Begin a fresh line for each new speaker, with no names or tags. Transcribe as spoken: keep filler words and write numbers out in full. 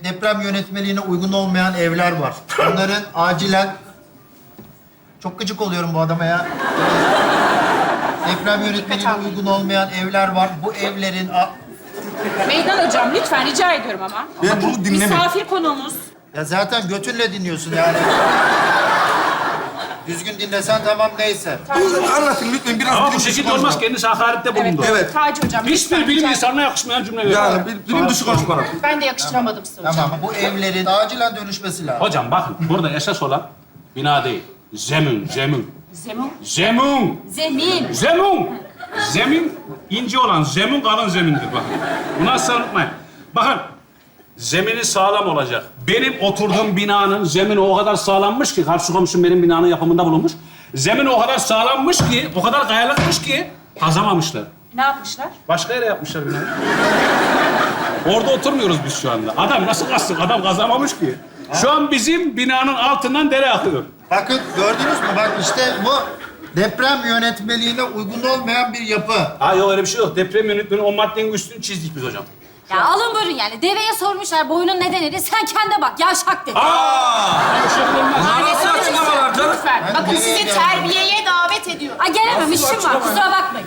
deprem yönetmeliğine uygun olmayan evler var. Onların acilen... Çok gıcık oluyorum bu adama ya. Deprem yönetmeliğine uygun olmayan evler var. Bu evlerin... a-
Meydan hocam lütfen rica ediyorum ama.
Ben bunu dinlemem.
Misafir konuğumuz.
Ya zaten götünle dinliyorsun yani. Düzgün dinlesen tamam neyse.
Anlatın lütfen biraz.
Ama bu
bilim dışı
şekilde
konuşma.
olmaz. Kendisi hakarette bulundu.
Evet.
Taci hocam lütfen.
Hiçbir bilim
rica-
insanına yakışmayan cümle veriyor.
Yani bil- bilim dışı konuşma.
Ben de yakıştıramadım size hocam.
Tamam bu evlerin acilen dönüşmesi lazım.
Hocam bakın burada esas olan bina değil. Zemin, zemin.
Zemin.
Zemin,
Zemin.
zemin. Zemin ince olan zemin kalın zemindir bakın. Bunu asla unutmayın. Bakın zemini sağlam olacak. Benim oturduğum binanın zemini o kadar sağlammış ki, karşı komşum benim binanın yapımında bulunmuş. Zemin o kadar sağlammış ki, o kadar kayalıkmış ki kazamamışlar.
Ne yapmışlar?
Başka yere yapmışlar binayı. Orada oturmuyoruz biz şu anda. Adam nasıl kazsın? Adam kazamamış ki. Şu an bizim binanın altından dere akıyor.
Bakın gördünüz mü? Bak işte bu deprem yönetmeliğine uygun olmayan bir yapı.
Ha yok öyle bir şey yok. Deprem yönetmeni o maddenin üstünü çizdik biz hocam.
Ya alın buyurun yani. Deveye sormuşlar boyunun nedenini. Sen kendine bak. Yavşak dedi.
Öyle şey olmaz.
Nasıl açıklamalar canım?
Lütfen.
Ben
Bakın
nereye
sizi
geldim?
terbiyeye davet ediyorum.
Ay gelemem işim var. Kusura bakmayın.